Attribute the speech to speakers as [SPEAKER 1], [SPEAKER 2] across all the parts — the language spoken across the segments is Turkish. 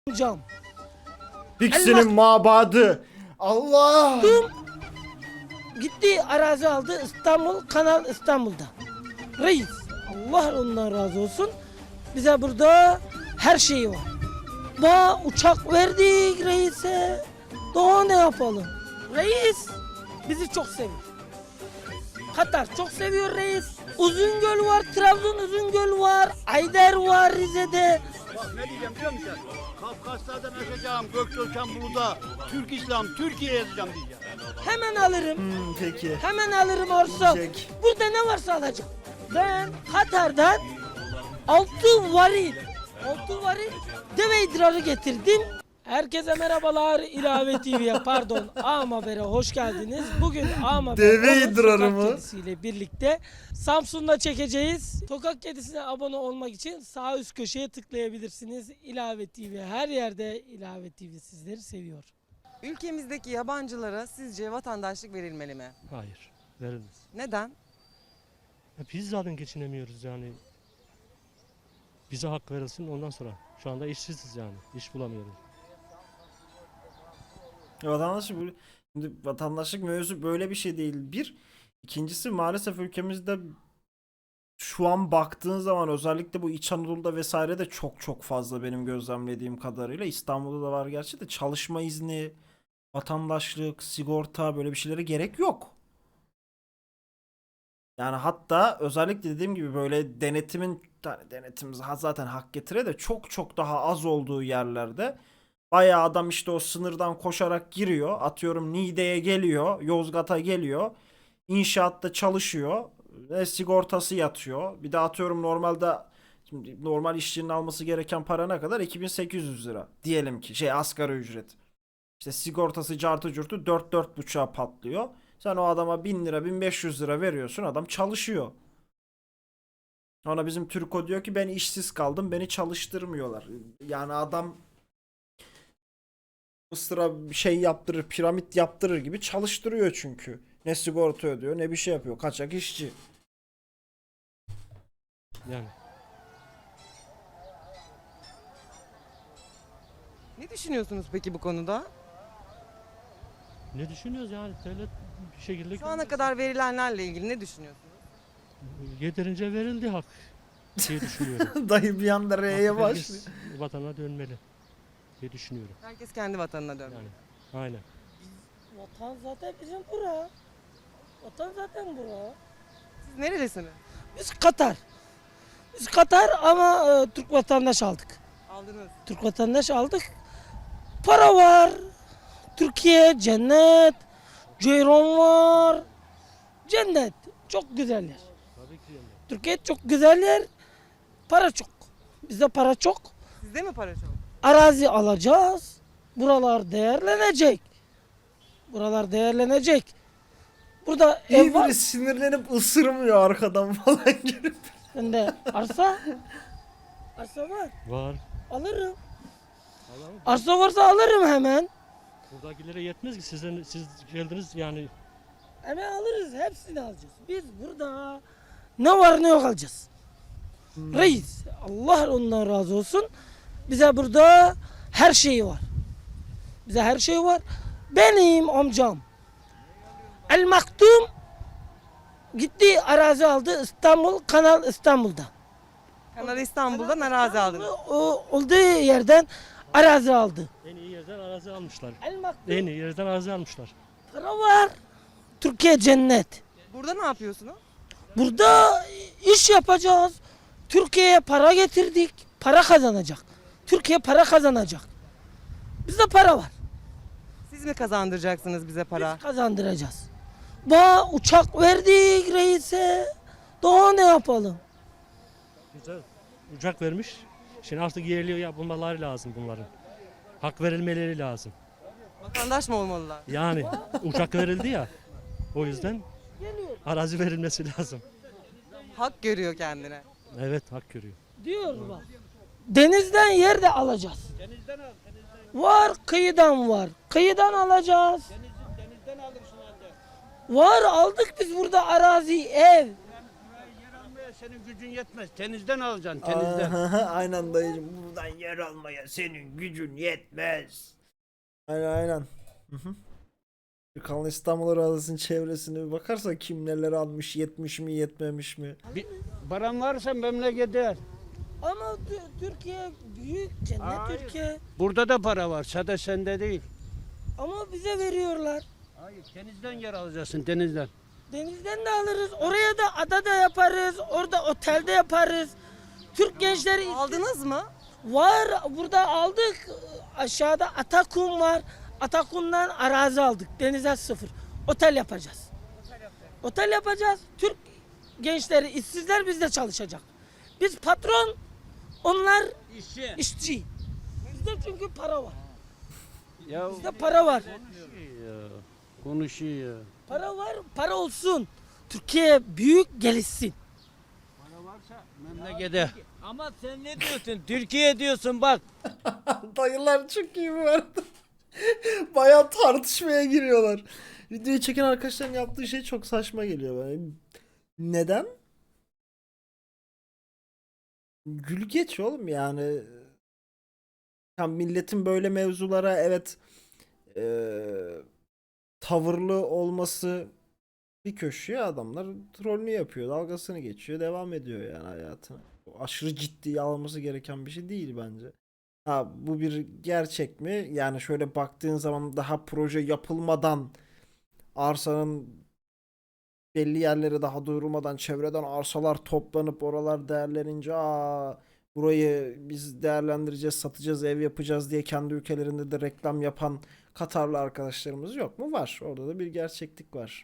[SPEAKER 1] Cam.
[SPEAKER 2] Pixi'nin mabadı. Allah.
[SPEAKER 1] Gitti arazi aldı İstanbul, Kanal İstanbul'da. Reis, Allah ondan razı olsun. Bize burada her şeyi var. Daha uçak verdik reise. Daha ne yapalım? Reis bizi çok seviyor. Katar çok seviyor reis. Uzungöl var, Trabzon Uzungöl var, Ayder var Rize'de.
[SPEAKER 3] Bak ne diyeceğim biliyor musun? Kafkaslardan aşacağım, Gökçöken Bulu'da, Türk İslam, Türkiye yazacağım diyeceğim.
[SPEAKER 1] Hemen alırım.
[SPEAKER 2] Peki.
[SPEAKER 1] Hemen alırım Orsa.
[SPEAKER 2] Jack.
[SPEAKER 1] Burada ne varsa alacağım. Ben Katar'dan 6 varil deve idrarı getirdim. Herkese merhabalar, İlave TV'ye pardon Ağam Haber'e hoş geldiniz. Bugün Ağam Haber
[SPEAKER 2] Deve
[SPEAKER 1] Onur
[SPEAKER 2] idrarı
[SPEAKER 1] Sokak
[SPEAKER 2] mı?
[SPEAKER 1] Kedisi'yle birlikte Samsun'da çekeceğiz. Sokak Kedisi'ne abone olmak için sağ üst köşeye tıklayabilirsiniz. İlave TV her yerde, İlave TV sizleri seviyor.
[SPEAKER 4] Ülkemizdeki yabancılara sizce vatandaşlık verilmeli mi?
[SPEAKER 5] Hayır, verilmez.
[SPEAKER 4] Neden?
[SPEAKER 5] Biz zaten geçinemiyoruz yani. Bize hak verilsin ondan sonra. Şu anda işsiziz yani, iş bulamıyoruz.
[SPEAKER 2] Vatandaşlık mevzusu böyle bir şey değil. Bir. İkincisi maalesef ülkemizde şu an baktığın zaman özellikle bu İç Anadolu'da vesaire de çok fazla benim gözlemlediğim kadarıyla. İstanbul'da da var gerçi de çalışma izni, vatandaşlık, sigorta böyle bir şeylere gerek yok. Yani hatta özellikle dediğim gibi böyle denetimimiz zaten hak getire de çok daha az olduğu yerlerde bayağı adam işte o sınırdan koşarak giriyor. Atıyorum Niğde'ye geliyor, Yozgat'a geliyor. İnşaatta çalışıyor. Sigortası yatıyor. Bir de atıyorum normalde şimdi normal işçinin alması gereken para ne kadar? 2800 lira. Diyelim ki asgari ücret. İşte sigortası cartı curtu 4-4,5'a patlıyor. Sen o adama 1000 lira 1500 lira veriyorsun, adam çalışıyor. Ona bizim Türko diyor ki ben işsiz kaldım, beni çalıştırmıyorlar. Yani adam Mısır'a yaptırır, piramit yaptırır gibi çalıştırıyor çünkü. Ne sigorta ödüyor ne bir şey yapıyor, kaçak işçi.
[SPEAKER 5] Yani
[SPEAKER 4] Ne düşünüyorsunuz peki bu konuda?
[SPEAKER 5] ne düşünüyoruz yani devlet bir şekilde
[SPEAKER 4] Şu ana kadar verilenlerle ilgili ne düşünüyorsunuz?
[SPEAKER 5] yeterince verildi hak diye düşünüyorum.
[SPEAKER 2] Dayı bir anda R'ye
[SPEAKER 5] Hak
[SPEAKER 2] başlıyor.
[SPEAKER 5] herkes vatana dönmeli diye düşünüyorum.
[SPEAKER 4] Herkes kendi vatanına dönmeli.
[SPEAKER 5] Yani aynen.
[SPEAKER 1] Vatan zaten bizim bura. Vatan zaten bura.
[SPEAKER 4] Siz nerelisiniz?
[SPEAKER 1] Biz Katar. Biz Katar ama Türk vatandaş aldık.
[SPEAKER 4] Aldınız.
[SPEAKER 1] Türk vatandaş aldık. Para var. Türkiye cennet. Ceyron var. Cennet. Çok güzel yer.
[SPEAKER 5] Tabii ki yani.
[SPEAKER 1] Türkiye çok güzel yer. Para çok. Bizde para çok.
[SPEAKER 4] Sizde mi para çok?
[SPEAKER 1] Arazi alacağız. Buralar değerlenecek. Buralar değerlenecek. Burada
[SPEAKER 2] İyi
[SPEAKER 1] ev var.
[SPEAKER 2] biri sinirlenip ısırmıyor arkadan falan gelip.
[SPEAKER 1] Bende arsa. Arsa var.
[SPEAKER 5] Var.
[SPEAKER 1] Alırım.
[SPEAKER 5] Allah'ım,
[SPEAKER 1] Arsa varsa alırım hemen.
[SPEAKER 5] buradakilere yetmez ki siz geldiniz yani.
[SPEAKER 1] Hemen alırız. Hepsini alacağız. Biz burada ne var ne yok alacağız. Reis. Allah ondan razı olsun. Bize burada her şeyi var. Bize her şey var. Benim amcam El Maktum gitti arazi aldı İstanbul, Kanal İstanbul'da.
[SPEAKER 4] Kanal İstanbul'dan arazi aldınız.
[SPEAKER 1] O olduğu yerden arazi aldı.
[SPEAKER 5] En iyi yerden arazi almışlar.
[SPEAKER 1] El Maktum.
[SPEAKER 5] En iyi yerden arazi almışlar.
[SPEAKER 1] Para var. Türkiye cennet.
[SPEAKER 4] Burada ne yapıyorsunuz?
[SPEAKER 1] Burada iş yapacağız. Türkiye'ye para getirdik. Para kazanacak. Türkiye para kazanacak. Bizde para var.
[SPEAKER 4] Siz mi kazandıracaksınız bize para?
[SPEAKER 1] Biz kazandıracağız. Uçak verdik reise. Daha ne yapalım?
[SPEAKER 5] Güzel. Uçak vermiş. Şimdi artık yerli yapılmaları lazım bunların. Hak verilmeleri lazım.
[SPEAKER 4] Vatandaş mı olmalılar?
[SPEAKER 5] Yani uçak verildi ya. O yüzden
[SPEAKER 1] Geliyor.
[SPEAKER 5] arazi verilmesi lazım.
[SPEAKER 4] Hak görüyor kendine.
[SPEAKER 5] Evet, hak görüyor.
[SPEAKER 1] Diyor bak. Denizden yer de alacağız. Denizden al. Var, kıyıdan var. Kıyıdan alacağız. Denizden alırsın halde. Var, aldık biz burada arazi, ev.
[SPEAKER 3] senin gücün yetmez. Tenizden alacaksın, tenizden.
[SPEAKER 2] Aynen dayıcım. Buradan yer almaya senin gücün yetmez. Aynen. Hı hı. Bir Kanal İstanbul Arazisi'nin çevresine bir bakarsa kim neler almış, yetmiş mi, yetmemiş mi?
[SPEAKER 3] Paran varsa memlekete.
[SPEAKER 1] Ama Türkiye büyük cennet
[SPEAKER 3] Hayır.
[SPEAKER 1] Türkiye.
[SPEAKER 3] Burada da para var, sadece sende değil.
[SPEAKER 1] Ama bize veriyorlar.
[SPEAKER 3] Hayır, denizden yer alacaksın, denizden.
[SPEAKER 1] Denizden de alırız. Oraya da adada yaparız. Orada otelde yaparız. Türk gençleri
[SPEAKER 4] Aldınız mı?
[SPEAKER 1] var. Burada aldık. Aşağıda Atakum var. Atakum'dan arazi aldık. Denize sıfır. Otel yapacağız. Otel yapacağız. Türk gençleri, işsizler bizde çalışacak. Biz patron, onlar
[SPEAKER 3] İşçi.
[SPEAKER 1] işçi. Bizde çünkü para var.
[SPEAKER 3] Ya
[SPEAKER 1] Bizde para var.
[SPEAKER 3] konuşuyor ya.
[SPEAKER 1] Para var, para olsun. Türkiye büyük gelişsin.
[SPEAKER 3] Para varsa memlekete.
[SPEAKER 6] Ama sen ne diyorsun? Türkiye diyorsun bak.
[SPEAKER 2] Dayılar çok iyi bu arada. Bayağı tartışmaya giriyorlar. Videoyu çeken arkadaşların yaptığı şey çok saçma geliyor bana. Neden? Gül geç oğlum yani. Tam milletin böyle mevzulara evet tavırlı olması bir köşeye, adamlar trollünü yapıyor, dalgasını geçiyor, devam ediyor yani hayatına. O aşırı ciddiye alınması gereken bir şey değil bence. Ha, bu bir gerçek mi? Yani şöyle baktığın zaman daha proje yapılmadan, arsanın belli yerlere daha duyurulmadan çevreden arsalar toplanıp oralar değerlenince burayı biz değerlendireceğiz, satacağız, ev yapacağız diye kendi ülkelerinde de reklam yapan Katarlı arkadaşlarımız yok mu? Var. Orada da bir gerçeklik var.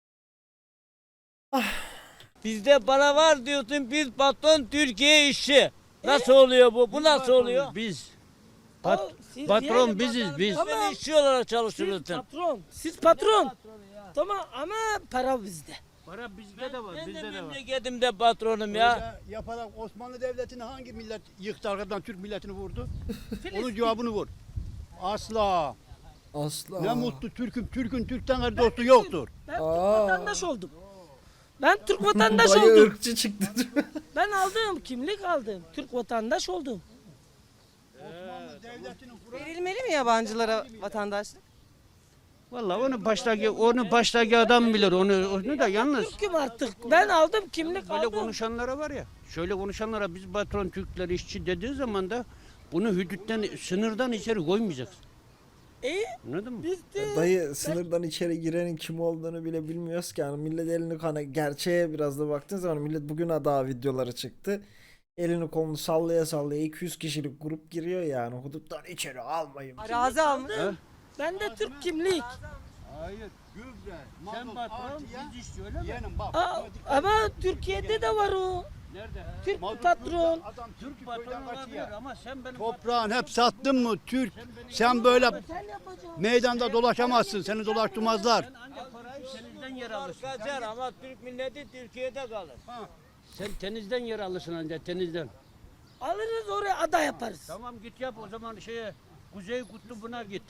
[SPEAKER 6] Bizde para var diyorsun. Biz patron, Türkiye işçi. Nasıl oluyor bu? Bu nasıl oluyor?
[SPEAKER 3] Biz.
[SPEAKER 1] Siz
[SPEAKER 3] Patron
[SPEAKER 1] yani-
[SPEAKER 3] biziz biz.
[SPEAKER 1] Tamam.
[SPEAKER 6] Sen işçi olarak
[SPEAKER 1] Siz
[SPEAKER 6] çalışıyorsun.
[SPEAKER 1] patron. Siz patron. Tamam ama para bizde.
[SPEAKER 3] Para bizde de var,
[SPEAKER 6] Ben de
[SPEAKER 3] bizde de var.
[SPEAKER 6] memleketimde patronum ya.
[SPEAKER 3] Öyle yaparak Osmanlı Devleti'ni hangi millet yıktı, arkadan Türk milletini vurdu? Onun cevabını vur. Asla.
[SPEAKER 2] Asla.
[SPEAKER 3] Ne mutlu Türk'üm. Türk'ün Türk'ten gayrı dostu yoktur.
[SPEAKER 1] Ben Türk vatandaş oldum. Ben Türk vatandaş
[SPEAKER 2] Dayı
[SPEAKER 1] oldum.
[SPEAKER 2] ırkçı çıktı.
[SPEAKER 1] Ben aldım, kimlik aldım. Türk vatandaş oldum.
[SPEAKER 3] Osmanlı Devleti'nin
[SPEAKER 4] Verilmeli mi yabancılara vatandaşlık?
[SPEAKER 3] Vallahi onu baştaki adam bilir. Onu da yalnız.
[SPEAKER 1] Türk'üm artık. Ben aldım, kimlik
[SPEAKER 3] Böyle
[SPEAKER 1] aldım.
[SPEAKER 3] konuşanlara var ya. Şöyle konuşanlara biz patron Türkler işçi dediği zaman da bunu hüdütten, sınırdan içeri koymayacaksın. Anladın mı?
[SPEAKER 1] Biz de
[SPEAKER 2] Dayı sınırdan içeri girenin kim olduğunu bile bilmiyoruz ki. Yani millet elini hani gerçeğe biraz da baktığın zaman millet bugün daha videoları çıktı. Elini kolunu sallaya sallaya 200 kişilik grup giriyor yani. Huduttan içeri almayın.
[SPEAKER 4] Arazi almış.
[SPEAKER 1] ben de Türk kimlik.
[SPEAKER 3] Hayır. Gübre, sen patron, biz işçi öyle mi? Yeğenim bak.
[SPEAKER 1] Ama Türkiye'de de var o.
[SPEAKER 3] Nerede?
[SPEAKER 1] Türk patron.
[SPEAKER 3] Adam Türk patronu olabilir ama sen benim
[SPEAKER 7] Toprağın hep sattın mı Türk? Sen böyle
[SPEAKER 1] Otel yapacağım.
[SPEAKER 7] meydanda dolaşamazsın. Seni dolaştırmazlar.
[SPEAKER 3] sen ancak parayı tenizden yer alırsın.
[SPEAKER 6] Kaçar ama Türk milleti Türkiye'de kalır.
[SPEAKER 3] Sen tenizden yer alırsın ancak tenizden.
[SPEAKER 1] Alırız oraya ada yaparız.
[SPEAKER 3] Tamam git yap o zaman Kuzey Kutlubu'na git.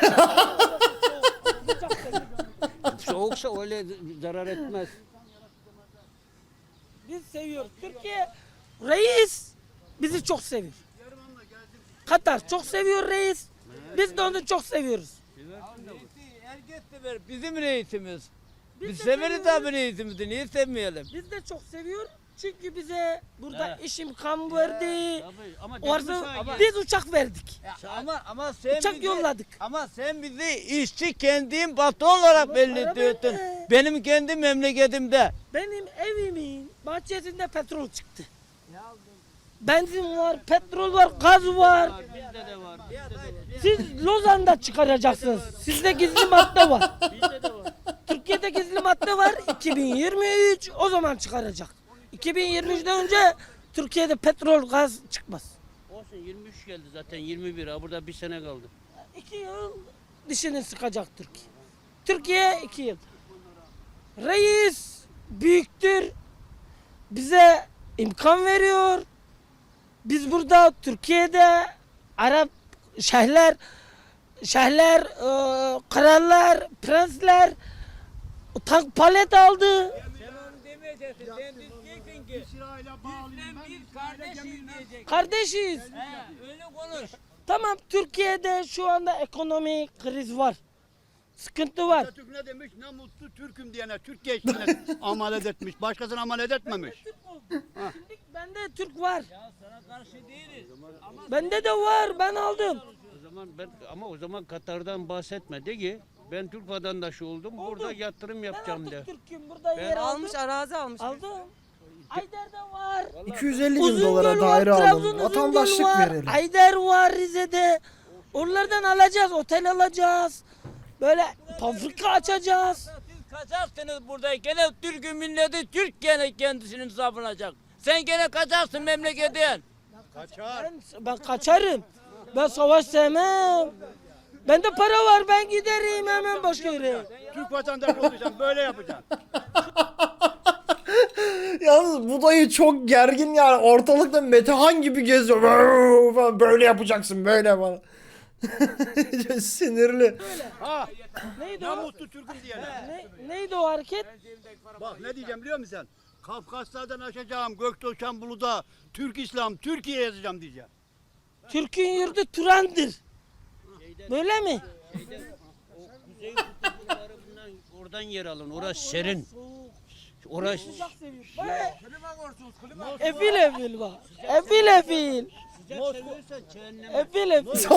[SPEAKER 3] Soğuksa öyle zarar etmez.
[SPEAKER 1] Biz seviyoruz. Türkiye reis bizi çok seviyor. Katar çok seviyor reis. Biz de onu çok seviyoruz.
[SPEAKER 6] Herkes sever. Bizim reisimiz.
[SPEAKER 1] Biz
[SPEAKER 6] Biz
[SPEAKER 1] de
[SPEAKER 6] severiz
[SPEAKER 1] seviyoruz.
[SPEAKER 6] abi reisimizi. Niye sevmeyelim?
[SPEAKER 1] Biz de çok seviyor. Çünkü bize burada
[SPEAKER 6] He.
[SPEAKER 1] iş imkan verdi.
[SPEAKER 3] Tabii ama
[SPEAKER 1] Orada
[SPEAKER 3] ama
[SPEAKER 1] biz uçak verdik.
[SPEAKER 6] Ama sen
[SPEAKER 1] Uçak
[SPEAKER 6] bizi,
[SPEAKER 1] yolladık.
[SPEAKER 6] Ama sen bizi işçi kendin patron olarak belli
[SPEAKER 1] para
[SPEAKER 6] ediyorsun.
[SPEAKER 1] bende.
[SPEAKER 6] Benim kendi memleketimde.
[SPEAKER 1] Benim evimin bahçesinde petrol çıktı. Benzin var, petrol var, gaz var.
[SPEAKER 3] bizde de var.
[SPEAKER 1] Siz Lozan'da çıkaracaksınız. Sizde gizli madde var. Türkiye'de gizli madde var. 2023 o zaman çıkaracak. 2023'den önce Türkiye'de petrol, gaz çıkmaz.
[SPEAKER 3] Olsun 23 geldi zaten 21 ha burada bir sene kaldı.
[SPEAKER 1] 2 yıl dişini sıkacak Türkiye. Türkiye 2 yıl. Reis büyüktür. Bize imkan veriyor. Biz burada Türkiye'de Arap şeyhler, krallar, prensler tank palet aldı.
[SPEAKER 6] Sen onu demeyeceksin. Sen diyeceksin
[SPEAKER 7] İsrail'e bağlıyım ben.
[SPEAKER 6] Biz kardeşiz diyecek.
[SPEAKER 1] Kardeşiz.
[SPEAKER 6] Öyle konuş.
[SPEAKER 1] Tamam, Türkiye'de şu anda ekonomik kriz var. Sıkıntı var.
[SPEAKER 7] Atatürk ne demiş? Ne mutlu Türk'üm diyene. Türk gençliğine amalet etmiş. Başkasına amalet etmemiş.
[SPEAKER 1] Şimdi bende Türk var.
[SPEAKER 6] Ya sana karşı değiliz. Ama
[SPEAKER 1] Bende de var. Ben aldım.
[SPEAKER 3] O zaman o zaman Katar'dan bahsetme de ki ben Türk vatandaşı oldum. Burada yatırım
[SPEAKER 1] Ben
[SPEAKER 3] yapacağım de.
[SPEAKER 1] artık Türk'üm. Burada yer aldım.
[SPEAKER 4] Almış arazi almış.
[SPEAKER 1] Aldım. Ayder'de var.
[SPEAKER 2] 250 bin
[SPEAKER 1] Uzungöl
[SPEAKER 2] dolara
[SPEAKER 1] var,
[SPEAKER 2] daire
[SPEAKER 1] Trabzon
[SPEAKER 2] alın.
[SPEAKER 1] Uzungöl
[SPEAKER 2] Vatandaşlık
[SPEAKER 1] var,
[SPEAKER 2] verelim.
[SPEAKER 1] Ayder var Rize'de. Oralardan alacağız, otel alacağız. Böyle fabrika açacağız.
[SPEAKER 6] siz kaçarsınız buradayken Türk milleti Türk gene kendisini savunacak. Sen gene kaçarsın memleketten.
[SPEAKER 7] Kaçar.
[SPEAKER 1] Ben kaçarım. Ben savaş sevmem. Bende para var, ben giderim hemen başka yere.
[SPEAKER 7] Türk vatandaşı olacaksın. Böyle yapacaksın.
[SPEAKER 2] Yalnız bu dayı çok gergin yani. Ortalıkta Metehan gibi geziyor. Falan. Böyle yapacaksın böyle falan. Sinirli.
[SPEAKER 7] Ha.
[SPEAKER 1] Neydi
[SPEAKER 7] Ne
[SPEAKER 1] o?
[SPEAKER 7] mutlu Türk'üm diyene.
[SPEAKER 1] Neydi o hareket?
[SPEAKER 7] Bak ne diyeceğim biliyor musun sen? Kafkaslardan aşacağım, Gökdoğan Bulu'da Türk İslam, Türkiye yazacağım diyeceğim.
[SPEAKER 1] Türk'ün yurdu Turan'dır. Böyle mi?
[SPEAKER 3] O kuzey kutuplarından oradan yer alın. Orası serin. Orası
[SPEAKER 1] Efil efil bak. Efil efil.
[SPEAKER 3] sıcak seviyorsan cehennem.
[SPEAKER 1] Efil efil.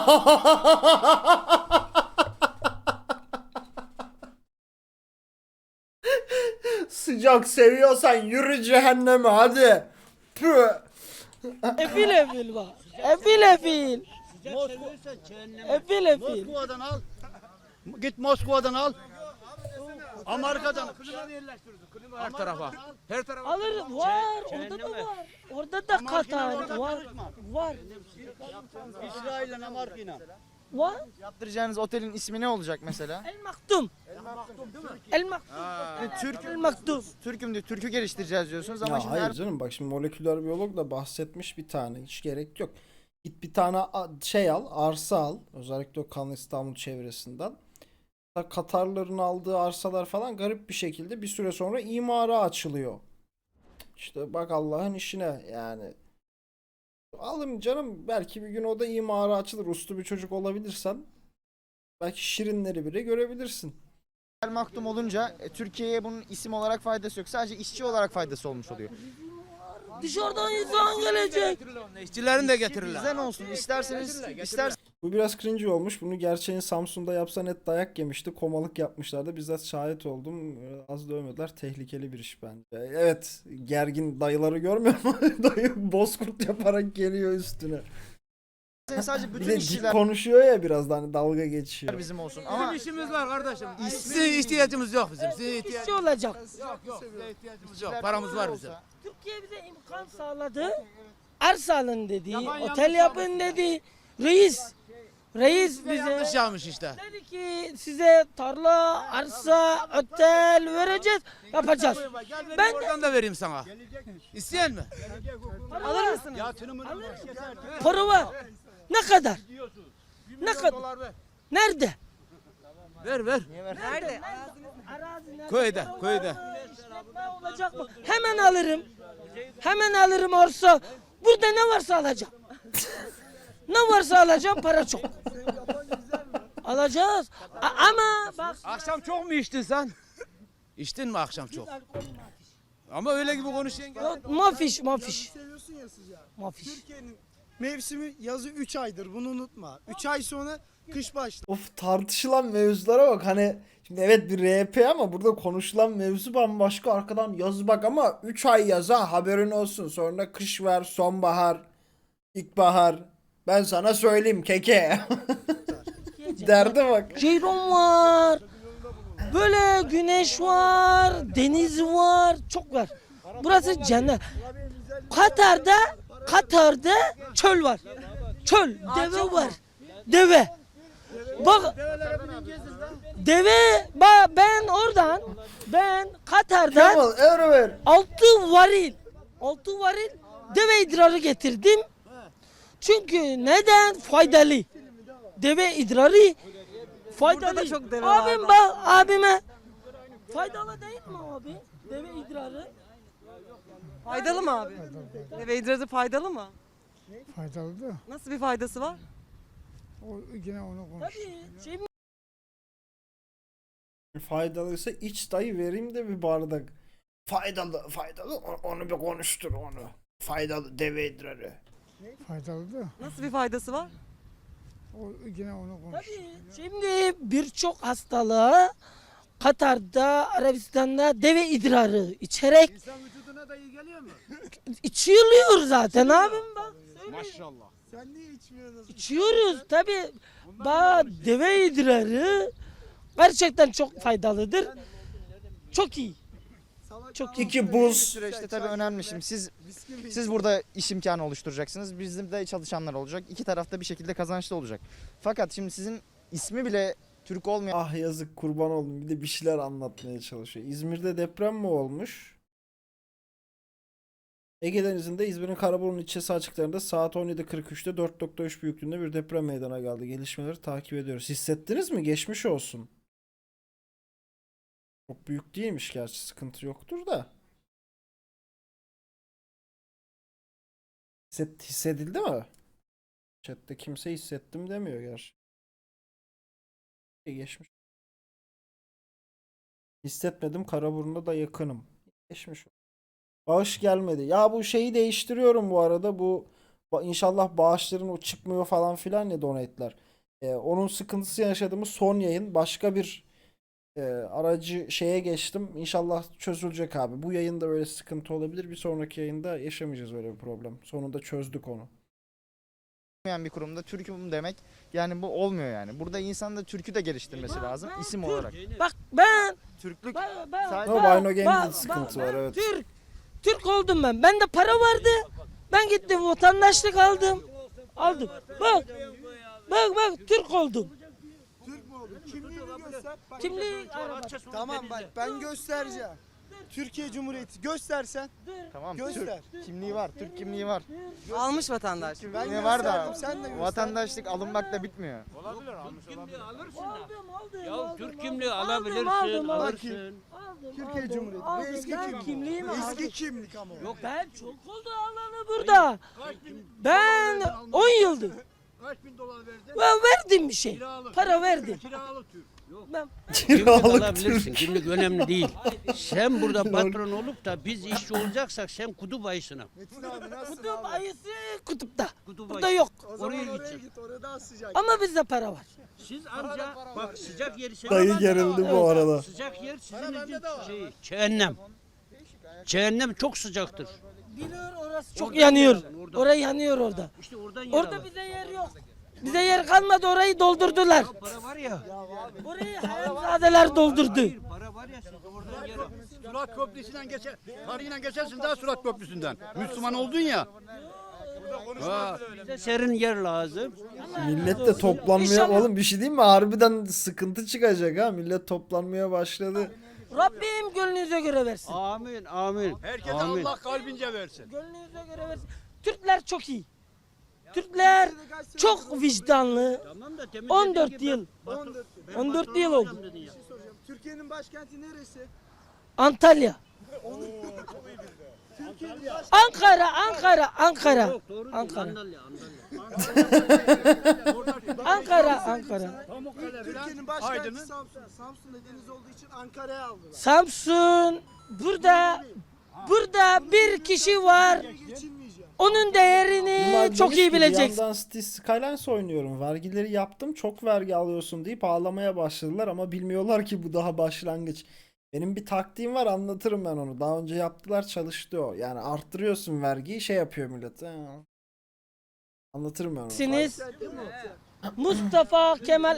[SPEAKER 2] Sıcak seviyorsan yürü cehenneme hadi. Püh.
[SPEAKER 1] Efil efil bak. Efil efil.
[SPEAKER 3] Sıcak seviyorsan cehennem.
[SPEAKER 1] Efil efil.
[SPEAKER 7] Moskova'dan al. Git Moskova'dan al. Amerika'dan.
[SPEAKER 8] Her tarafa. Her tarafa.
[SPEAKER 1] Alırız. Var. Orada da var. Orada da Katar
[SPEAKER 7] orada
[SPEAKER 1] var.
[SPEAKER 7] karışma.
[SPEAKER 1] Var.
[SPEAKER 7] İsrail'le Amerika'yla.
[SPEAKER 1] Var.
[SPEAKER 9] Yaptıracağınız otelin ismi ne olacak mesela?
[SPEAKER 1] El Maktum. El Maktum.
[SPEAKER 9] Türk,
[SPEAKER 1] El Maktum.
[SPEAKER 9] Türk'üm diyor, Türk'ü geliştireceğiz diyorsunuz ama
[SPEAKER 2] Ya
[SPEAKER 9] şimdi
[SPEAKER 2] hayır
[SPEAKER 9] her
[SPEAKER 2] canım bak şimdi moleküler biyolog da bahsetmiş bir tane. Hiç gerek yok. Git bir tane şey al, arsa al. Özellikle o Kanal İstanbul çevresinden. Katarların aldığı arsalar falan garip bir şekilde bir süre sonra imara açılıyor. İşte bak Allah'ın işine yani. Alın canım belki bir gün o da imara açılır. Uslu bir çocuk olabilirsen belki şirinleri bile görebilirsin.
[SPEAKER 9] El Maktum olunca Türkiye'ye bunun isim olarak faydası yok. Sadece işçi olarak faydası olmuş oluyor.
[SPEAKER 1] Dışarıdan insan gelecek.
[SPEAKER 8] İşçilerini de getirirler.
[SPEAKER 9] Bizden olsun. İsterseniz
[SPEAKER 2] Bu biraz cringe olmuş. Bunu gerçeğin Samsun'da yapsa net dayak yemişti. Komalık yapmışlardı. Bizzat şahit oldum. Az dövmediler. Tehlikeli bir iş bence. Evet. Gergin dayıları görmüyor musun? Dayı bozkurt yaparak geliyor üstüne.
[SPEAKER 9] sadece
[SPEAKER 2] Bir
[SPEAKER 9] bütün
[SPEAKER 2] de dik
[SPEAKER 9] işçiler
[SPEAKER 2] konuşuyor ya biraz da hani dalga geçiyor.
[SPEAKER 9] bizim olsun.
[SPEAKER 8] Bizim
[SPEAKER 9] Ama
[SPEAKER 8] işimiz var kardeşim. Size ihtiyacımız yok bizim. Size ihtiyacımız
[SPEAKER 1] İşçi olacak.
[SPEAKER 8] yok. Size ihtiyacımız yok. Paramız var bizim.
[SPEAKER 1] Türkiye bize imkan sağladı. Arsa alın dedi. Otel yapın dedi. Reis bize
[SPEAKER 8] Yanlış yapmış işte.
[SPEAKER 1] dedi ki size tarla, arsa, otel vereceğiz, yapacağız.
[SPEAKER 8] Ben
[SPEAKER 1] Ben
[SPEAKER 8] oradan da vereyim sana. İsteyen mi?
[SPEAKER 1] alır mısınız?
[SPEAKER 7] Yatırımını
[SPEAKER 1] Para var. Ne kadar? Ne kadar?
[SPEAKER 8] Dolar ver.
[SPEAKER 1] Nerede?
[SPEAKER 8] Ver.
[SPEAKER 4] Nerede?
[SPEAKER 1] Arazi nerede?
[SPEAKER 8] Köyde, köyde.
[SPEAKER 1] İşletme olacak mı? Hemen alırım. Hemen alırım arsa. Burada ne varsa alacağım. Ne varsa alacağım, para çok. Alacağız. Ama bak.
[SPEAKER 8] Akşam çok mu içtin sen? İçtin mi akşam çok? Ama öyle gibi konuşuyorsun.
[SPEAKER 1] Yok, mafiş.
[SPEAKER 10] Seviyorsun ya sıcağı.
[SPEAKER 1] Mafiş.
[SPEAKER 10] Türkiye'nin mevsimi yazı 3 aydır, bunu unutma. 3 ay sonra kış başlar.
[SPEAKER 2] Of tartışılan mevzulara bak hani şimdi evet bir RP ama burada konuşulan mevzu bambaşka arkadan yaz bak ama 3 ay yaza haberin olsun sonra kış var sonbahar ilkbahar ben sana söyleyeyim keke derdi bak.
[SPEAKER 1] Ceyron var. Böyle güneş var, deniz var, çok var. Burası cennet. Katar'da çöl var. Çöl, deve var. Deve. Bak deve ben Katar'dan
[SPEAKER 2] Kemal Evrever
[SPEAKER 1] 6 varil deve idrarı getirdim. Çünkü neden? Faydalı. Deve idrarı faydalı.
[SPEAKER 4] Burada da çok deve
[SPEAKER 1] Abim
[SPEAKER 4] var.
[SPEAKER 1] bak abime. Faydalı değil mi abi? Deve idrarı.
[SPEAKER 4] Faydalı mı abi? Deve idrarı faydalı mı?
[SPEAKER 10] Faydalı da
[SPEAKER 4] Nasıl bir faydası var?
[SPEAKER 10] yine onu konuş.
[SPEAKER 1] Tabii. Şimdi
[SPEAKER 2] Faydalıysa iç dayı, vereyim de bir bardak. Faydalı onu bir konuştur onu. Faydalı deve idrarı.
[SPEAKER 10] Faydalı da
[SPEAKER 4] Nasıl bir faydası var?
[SPEAKER 10] yine onu konuş.
[SPEAKER 1] tabii. Şimdi birçok hastalığa Katar'da, Arabistan'da deve idrarı içerek
[SPEAKER 7] İnsan vücuduna da iyi geliyor mu?
[SPEAKER 1] içiliyor zaten abim bak.
[SPEAKER 7] Maşallah.
[SPEAKER 10] Sen niye içmiyorsun?
[SPEAKER 1] İçiyoruz tabii. Bak deve idrarı gerçekten çok faydalıdır. Çok iyi. Çok iyi.
[SPEAKER 2] İki
[SPEAKER 9] Bu
[SPEAKER 2] buz.
[SPEAKER 9] süreçte tabii önemli. Şimdi siz burada iş imkanı oluşturacaksınız. Bizim de çalışanlar olacak. İki tarafta bir şekilde kazançlı olacak. Fakat şimdi sizin ismi bile Türk olmayan
[SPEAKER 2] Ah yazık, kurban oldum. Bir de bir şeyler anlatmaya çalışıyor. İzmir'de deprem mi olmuş? Ege Denizi'nde İzmir'in Karaburun ilçesi açıklarında saat 17.43'te 4.3 büyüklüğünde bir deprem meydana geldi. Gelişmeleri takip ediyoruz. Hissettiniz mi? Geçmiş olsun. Çok büyük değilmiş gerçi, sıkıntı yoktur da. Hissedildi mi? Chat'te kimse hissettim demiyor gerçi. Geçmiş. Hissetmedim, Karaburun'a da yakınım. Geçmiş. Bağış gelmedi. Ya bu şeyi değiştiriyorum bu arada. Bu inşallah bağışların o çıkmıyor falan filan ya, donate'ler. Onun sıkıntısı yaşadığımız son yayın. Başka bir aracı şeye geçtim. İnşallah çözülecek abi. Bu yayında böyle sıkıntı olabilir. Bir sonraki yayında yaşamayacağız öyle bir problem. Sonunda çözdük onu.
[SPEAKER 9] bir kurumda Türk'üm demek yani bu olmuyor yani. Burada insan da Türk'ü de geliştirmesi lazım isim olarak.
[SPEAKER 1] Bak ben
[SPEAKER 9] Türklük
[SPEAKER 2] Ama Bino Game'de de sıkıntı var, evet.
[SPEAKER 1] Türk oldum ben. Bende para vardı. Ben gittim vatandaşlık aldım. Aldım. Bak Türk oldum.
[SPEAKER 10] Türk mü oldun? Kimliğini göster. Bak,
[SPEAKER 1] Kimliği araba.
[SPEAKER 10] Tamam bak ben göstereceğim. Türkiye Cumhuriyeti göstersen.
[SPEAKER 9] tamam.
[SPEAKER 10] Göster.
[SPEAKER 9] Türk kimliği var. Türk kimliği var.
[SPEAKER 4] Almış vatandaş.
[SPEAKER 10] Ben
[SPEAKER 9] Ne var da
[SPEAKER 10] gösterdim, sen de göster.
[SPEAKER 9] vatandaşlık alınmakla bitmiyor.
[SPEAKER 3] Ya Türk kimliği
[SPEAKER 1] aldım,
[SPEAKER 3] alabilirsin,
[SPEAKER 1] aldım.
[SPEAKER 10] Türkiye Cumhuriyeti. Bu eski kimlik.
[SPEAKER 1] Kimliğimi
[SPEAKER 10] Eski
[SPEAKER 1] aldım.
[SPEAKER 10] kimlik ama.
[SPEAKER 3] Yok.
[SPEAKER 1] Ben çok oldu alanı burada. Ben 10 yıldır.
[SPEAKER 7] Kaç bin dolar verdin?
[SPEAKER 1] Ben verdim bir şey.
[SPEAKER 7] Kiralık.
[SPEAKER 1] Para verdim.
[SPEAKER 7] Kiralık Türk.
[SPEAKER 1] Ben
[SPEAKER 3] Kimlik
[SPEAKER 2] Kiralık
[SPEAKER 3] alabilirsin.
[SPEAKER 2] Türk.
[SPEAKER 3] Kimlik önemli değil. Sen burada patron olup da biz işçi olacaksak sen kutup ayısına.
[SPEAKER 10] Metin abi nasılsın
[SPEAKER 1] kutup
[SPEAKER 10] abi?
[SPEAKER 1] ayısı kutupta.
[SPEAKER 3] Kutup
[SPEAKER 1] Burada
[SPEAKER 3] ayısı.
[SPEAKER 1] yok.
[SPEAKER 10] O zaman
[SPEAKER 3] Oraya
[SPEAKER 10] oraya
[SPEAKER 3] gidecek.
[SPEAKER 10] git. Orada daha sıcak.
[SPEAKER 1] Ama bizde para var.
[SPEAKER 3] Siz anca bak sıcak yeri
[SPEAKER 2] Dayı gerildi bu arada.
[SPEAKER 3] Sıcak yer sizin için cehennem. Cehennem çok sıcaktır.
[SPEAKER 1] Biliyor orası çok
[SPEAKER 3] Orada
[SPEAKER 1] yanıyor.
[SPEAKER 3] yer alın, orada.
[SPEAKER 1] Orayı yanıyor orada.
[SPEAKER 3] İşte oradan yer
[SPEAKER 1] Orada
[SPEAKER 3] alın.
[SPEAKER 1] bize yer yok. Bize yer kalmadı, orayı doldurdular.
[SPEAKER 3] Para var ya.
[SPEAKER 1] Orayı hayatzadeler doldurdu.
[SPEAKER 3] Hayır, para var ya siz oradan yer alın.
[SPEAKER 7] Surat Köprüsü'nden geçer. Tarihiyle geçersin daha Surat Köprüsü'nden. Müslüman oldun ya. Ha.
[SPEAKER 3] Bize serin yer lazım.
[SPEAKER 2] Millet de toplanmaya,
[SPEAKER 1] İnşallah.
[SPEAKER 2] oğlum bir şey diyeyim mi? Harbiden sıkıntı çıkacak ha. Millet toplanmaya başladı.
[SPEAKER 1] Rabbim gönlünüze göre versin.
[SPEAKER 3] Amin, amin.
[SPEAKER 7] Herkese
[SPEAKER 3] Amin.
[SPEAKER 7] Allah kalbince versin.
[SPEAKER 1] Gönlünüze göre versin. Türkler çok iyi. Türkler çok vicdanlı.
[SPEAKER 3] Tamam da demin
[SPEAKER 1] 14
[SPEAKER 3] dediğin gibi
[SPEAKER 1] yıl.
[SPEAKER 3] ben
[SPEAKER 1] 14 yıl oldu.
[SPEAKER 3] dedin ya.
[SPEAKER 10] Soracağım. Türkiye'nin başkenti neresi?
[SPEAKER 1] Antalya. Ankara.
[SPEAKER 3] Yok, doğru değil.
[SPEAKER 1] Ankara.
[SPEAKER 3] Andalya.
[SPEAKER 1] Ankara.
[SPEAKER 7] Pamukkale
[SPEAKER 10] Türkiye'nin
[SPEAKER 7] falan.
[SPEAKER 10] başkenti
[SPEAKER 7] Aydın'ın.
[SPEAKER 10] Samsun. Samsun'da deniz olduğu için Ankara'ya aldılar.
[SPEAKER 1] Samsun. Burada bir kişi var.
[SPEAKER 10] Geçinmeyeceğim.
[SPEAKER 1] Onun değerini
[SPEAKER 2] Bunlar
[SPEAKER 1] çok
[SPEAKER 2] demiş
[SPEAKER 1] iyi
[SPEAKER 2] ki, bir
[SPEAKER 1] bileceksin.
[SPEAKER 2] yandan Cities Skylines oynuyorum. Vergileri yaptım. Çok vergi alıyorsun deyip ağlamaya başladılar ama bilmiyorlar ki bu daha başlangıç. Benim bir taktiğim var, anlatırım ben onu. Daha önce yaptılar, çalıştı o. Yani arttırıyorsun vergiyi, şey yapıyor millet. Anlatırım ben onu.
[SPEAKER 1] Siniz Mustafa Kemal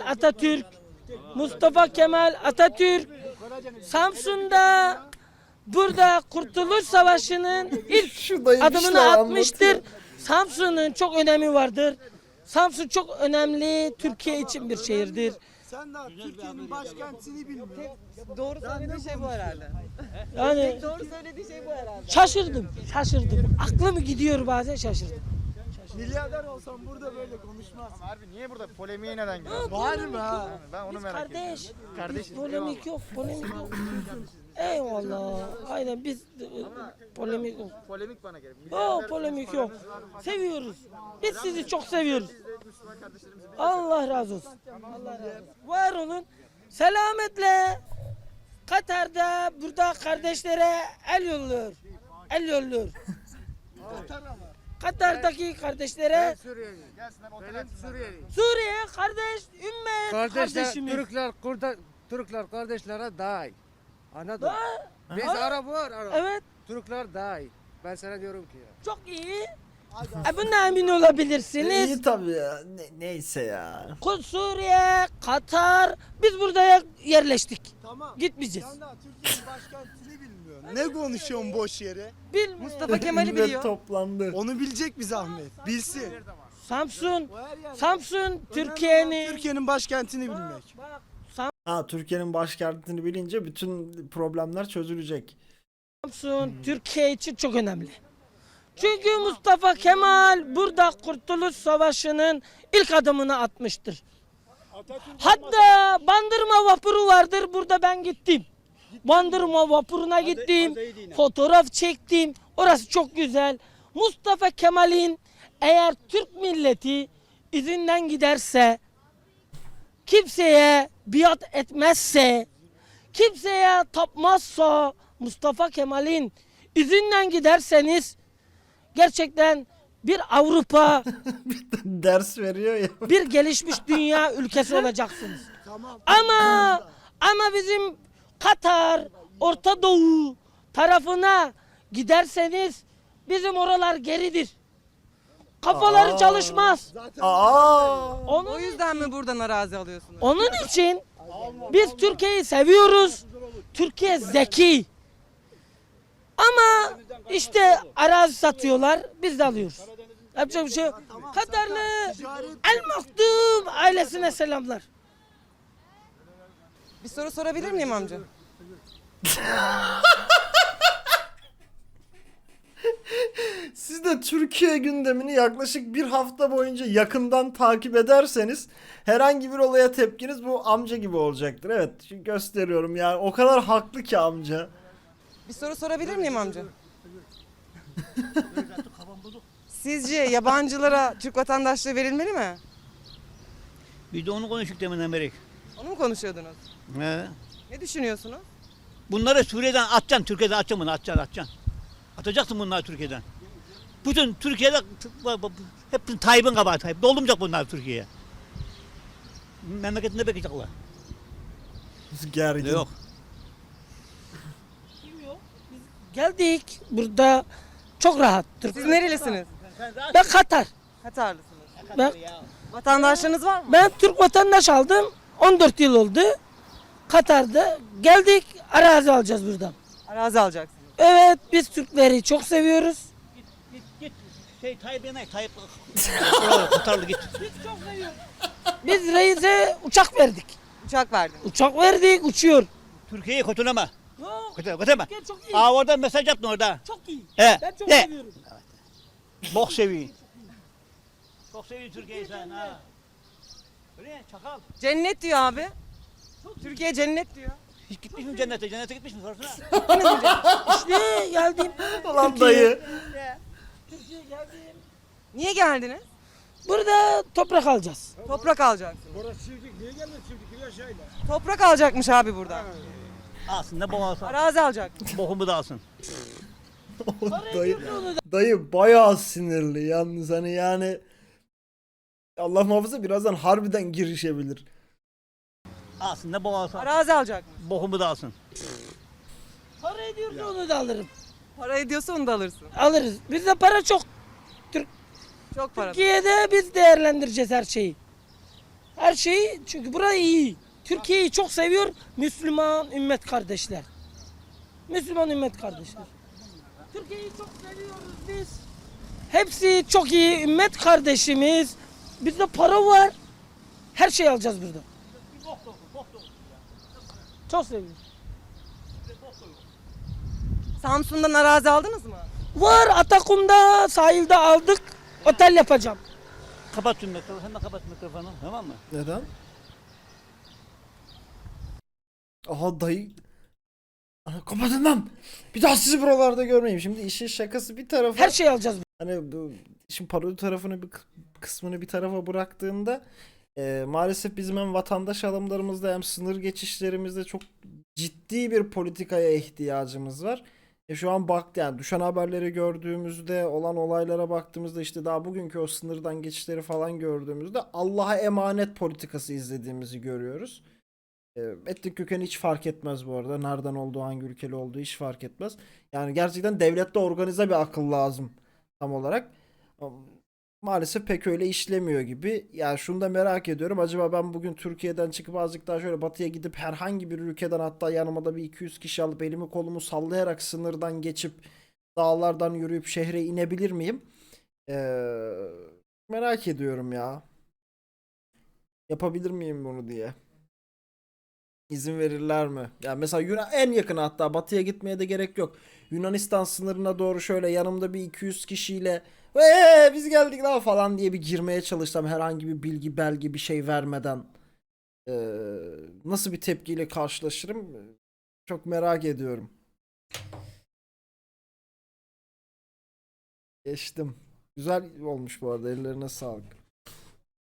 [SPEAKER 1] Atatürk Samsun'da burada Kurtuluş Savaşı'nın ilk
[SPEAKER 2] Şu dayı bir
[SPEAKER 1] adımını
[SPEAKER 2] şeyler
[SPEAKER 1] atmıştır.
[SPEAKER 2] anlatıyor.
[SPEAKER 1] Samsun'un çok önemi vardır. Samsun çok önemli Türkiye için bir şehirdir.
[SPEAKER 10] Sen daha Türkiye'nin başkentini bilmiyorsun.
[SPEAKER 4] Doğru söylediği şey bu herhalde.
[SPEAKER 1] Yani
[SPEAKER 4] Doğru söylediği şey bu herhalde.
[SPEAKER 1] şaşırdım. Aklım gidiyor bazen, şaşırdım.
[SPEAKER 10] Milyarder olsam burada böyle konuşmaz.
[SPEAKER 9] Harbi niye burada polemiğe neden giriyorsun?
[SPEAKER 10] Var mı ha?
[SPEAKER 9] Ben onu
[SPEAKER 1] Biz
[SPEAKER 9] merak ediyorum.
[SPEAKER 1] kardeş.
[SPEAKER 9] Kardeşiz,
[SPEAKER 1] Biz polemik yok, polemik yok. Eyvallah. Aynen biz polemik yok.
[SPEAKER 9] Polemik bana göre.
[SPEAKER 1] Polemik yok. Seviyoruz. Biz sizi çok seviyoruz. Allah razı olsun. Allah razı olsun. Var olun. Selametle. Katar'da burada kardeşlere el yolluyor. El yolluyor. Katar'daki kardeşlere Suriye kardeş, ümmet kardeşimiz.
[SPEAKER 6] Türkler kardeşlere daha iyi. Anladın?
[SPEAKER 1] Da-
[SPEAKER 6] Biz
[SPEAKER 1] Ha?
[SPEAKER 6] Arap var,
[SPEAKER 1] Evet,
[SPEAKER 6] Türkler daha iyi. Ben sana diyorum ki ya.
[SPEAKER 1] çok iyi. Buna emin olabilirsiniz.
[SPEAKER 2] İyi tabii ya. Neyse ya.
[SPEAKER 1] Suriye, Katar, biz burada yerleştik.
[SPEAKER 10] Tamam.
[SPEAKER 1] Gitmeyeceğiz.
[SPEAKER 10] Sen daha Türkiye'nin başkentini bilmiyorsun. Ne konuşuyorsun boş yere?
[SPEAKER 1] Bilmiyorum.
[SPEAKER 4] Mustafa Kemal'i
[SPEAKER 2] Millet
[SPEAKER 4] biliyor.
[SPEAKER 2] toplandı.
[SPEAKER 10] Onu bilecek bir zahmet. Bilsin.
[SPEAKER 1] Samsun,
[SPEAKER 10] O her yerde.
[SPEAKER 1] Samsun,
[SPEAKER 10] Önemli olan
[SPEAKER 1] Türkiye'nin.
[SPEAKER 10] Türkiye'nin başkentini bilmek.
[SPEAKER 1] Bak,
[SPEAKER 2] Ha, Türkiye'nin başkentini bilince bütün problemler çözülecek.
[SPEAKER 1] Samsun, Türkiye için çok önemli. Çünkü Mustafa Kemal burada Kurtuluş Savaşı'nın ilk adımını atmıştır. Hatta Bandırma vapuru vardır, burada ben gittim. Bandırma vapuruna gittim, fotoğraf çektim. Orası çok güzel. Mustafa Kemal'in eğer Türk milleti izinden giderse, kimseye biat etmezse, kimseye tapmazsa, Mustafa Kemal'in izinden giderseniz gerçekten bir Avrupa,
[SPEAKER 2] Ders veriyor ya.
[SPEAKER 1] bir gelişmiş dünya ülkesi olacaksınız. Ama bizim Katar, Orta Doğu tarafına giderseniz bizim oralar geridir. Kafaları çalışmaz.
[SPEAKER 2] Aa!
[SPEAKER 4] O yüzden mi buradan arazi alıyorsunuz?
[SPEAKER 1] Onun için biz Türkiye'yi seviyoruz. Türkiye zeki. Ama işte arazi satıyorlar, biz de alıyoruz. Yapacak bir şey yok. Katarlı El Maktum ailesine selamlar.
[SPEAKER 4] Bir soru sorabilir miyim amca?
[SPEAKER 2] Siz de Türkiye gündemini yaklaşık bir hafta boyunca yakından takip ederseniz herhangi bir olaya tepkiniz bu amca gibi olacaktır. Evet, şimdi gösteriyorum yani o kadar haklı ki amca.
[SPEAKER 4] Bir soru sorabilir miyim amca? Sizce yabancılara Türk vatandaşlığı verilmeli mi?
[SPEAKER 3] Bir de onu konuştuk deminden beri.
[SPEAKER 4] Onu mu konuşuyordunuz?
[SPEAKER 3] He.
[SPEAKER 4] Ne düşünüyorsunuz?
[SPEAKER 3] Bunları Suriye'den atacaksın, Türkiye'den atacaksın bunu, atacaksın. Atacaksın bunları Türkiye'den. Bütün Türkiye'de hep Tayyip'in kabahati. Doldurmayacak bunlar Türkiye'ye. Memleketinde bekleyecekler.
[SPEAKER 2] Gergin.
[SPEAKER 3] Yok.
[SPEAKER 1] Geldik burada çok rahat.
[SPEAKER 4] Siz nerelisiniz?
[SPEAKER 1] Ben Katar.
[SPEAKER 4] Katarlısınız.
[SPEAKER 1] Ben,
[SPEAKER 4] Vatandaşlığınız var mı?
[SPEAKER 1] ben Türk vatandaş aldım. 14 yıl oldu. Katar'da geldik, arazi alacağız buradan.
[SPEAKER 4] Arazi alacaksınız.
[SPEAKER 1] Evet, biz Türkleri çok seviyoruz.
[SPEAKER 3] Git. Tayyip yemek, Tayyip. Katarlı git.
[SPEAKER 1] Biz reise uçak verdik.
[SPEAKER 4] Uçak verdiniz.
[SPEAKER 1] Uçak verdik, uçuyor.
[SPEAKER 3] Türkiye'yi kötüleme.
[SPEAKER 1] Yok,
[SPEAKER 3] Kötüleme.
[SPEAKER 1] Türkiye çok iyi.
[SPEAKER 3] Orada mesaj yaptın orada.
[SPEAKER 1] Çok iyi.
[SPEAKER 3] He.
[SPEAKER 1] Ben çok
[SPEAKER 3] He.
[SPEAKER 1] seviyorum.
[SPEAKER 3] Bok seviyor. Çok seviyor Türkiye'yi sen ha. Öyle çakal.
[SPEAKER 4] Cennet diyor abi. Türkiye cennet diyor.
[SPEAKER 3] Hiç gitmiş mi cennete? Cennete gitmiş mi sorsana.
[SPEAKER 1] İşte geldim.
[SPEAKER 2] Ulan dayı.
[SPEAKER 1] Türkiye geldim.
[SPEAKER 4] Niye geldiniz?
[SPEAKER 1] Burada toprak alacağız.
[SPEAKER 4] Toprak alacaksınız. Toprak alacakmış abi burada.
[SPEAKER 3] Alsın da bok alsın.
[SPEAKER 4] Arazi alacak.
[SPEAKER 3] Bokumu da alsın.
[SPEAKER 2] Dayı, dayı bayağı sinirli yalnız hani yani Allah muhafaza birazdan harbiden girişebilir.
[SPEAKER 3] Alsın da bok alsın.
[SPEAKER 4] Arazi alacakmış.
[SPEAKER 3] Bokumu da alsın.
[SPEAKER 1] Para ediyorsa onu da alırım.
[SPEAKER 4] Para ediyorsa onu da alırsın.
[SPEAKER 1] Alırız. Bizde para çok.
[SPEAKER 4] Çok para.
[SPEAKER 1] Türkiye'de biz değerlendireceğiz her şeyi. Her şeyi çünkü burası iyi. Türkiye'yi çok seviyor Müslüman ümmet kardeşler. Müslüman ümmet kardeşler. Türkiye'yi çok seviyoruz biz. Hepsi çok iyi ümmet kardeşimiz. Bizde para var. Her şeyi alacağız burada. Çok seviyoruz.
[SPEAKER 4] Samsun'dan arazi aldınız mı?
[SPEAKER 1] Var Atakum'da sahilde aldık. Otel yapacağım.
[SPEAKER 3] Kapat şu mikrofonu. Hemen kapat mikrofonu. Tamam mı?
[SPEAKER 2] Neden? Aha dayı. Ana, kapatın lan. Bir daha sizi buralarda görmeyeyim. Şimdi işin şakası bir tarafa.
[SPEAKER 1] Her şeyi alacağız.
[SPEAKER 2] Hani bu işin parodi tarafını bir kısmını bir tarafa bıraktığında maalesef bizim hem vatandaş alımlarımızda hem sınır geçişlerimizde çok ciddi bir politikaya ihtiyacımız var. Şu an yani düşen haberleri gördüğümüzde, olan olaylara baktığımızda, işte daha bugünkü o sınırdan geçişleri falan gördüğümüzde Allah'a emanet politikası izlediğimizi görüyoruz. Etnik kökeni hiç fark etmez bu arada. Nereden olduğu, hangi ülkeli olduğu hiç fark etmez. Yani gerçekten devlette organize bir akıl lazım tam olarak. Maalesef pek öyle işlemiyor gibi. Yani şunu da merak ediyorum. Acaba ben bugün Türkiye'den çıkıp azıcık daha şöyle batıya gidip herhangi bir ülkeden, hatta yanıma da bir 200 kişi alıp elimi kolumu sallayarak sınırdan geçip dağlardan yürüyüp şehre inebilir miyim? Merak ediyorum ya. Yapabilir miyim bunu diye. İzin verirler mi? Yani mesela en yakın, hatta batıya gitmeye de gerek yok. Yunanistan sınırına doğru şöyle yanımda bir 200 kişiyle biz geldik lan falan diye bir girmeye çalışsam, herhangi bir bilgi belge bir şey vermeden nasıl bir tepkiyle karşılaşırım? Çok merak ediyorum. Geçtim. Güzel olmuş bu arada, ellerine sağlık.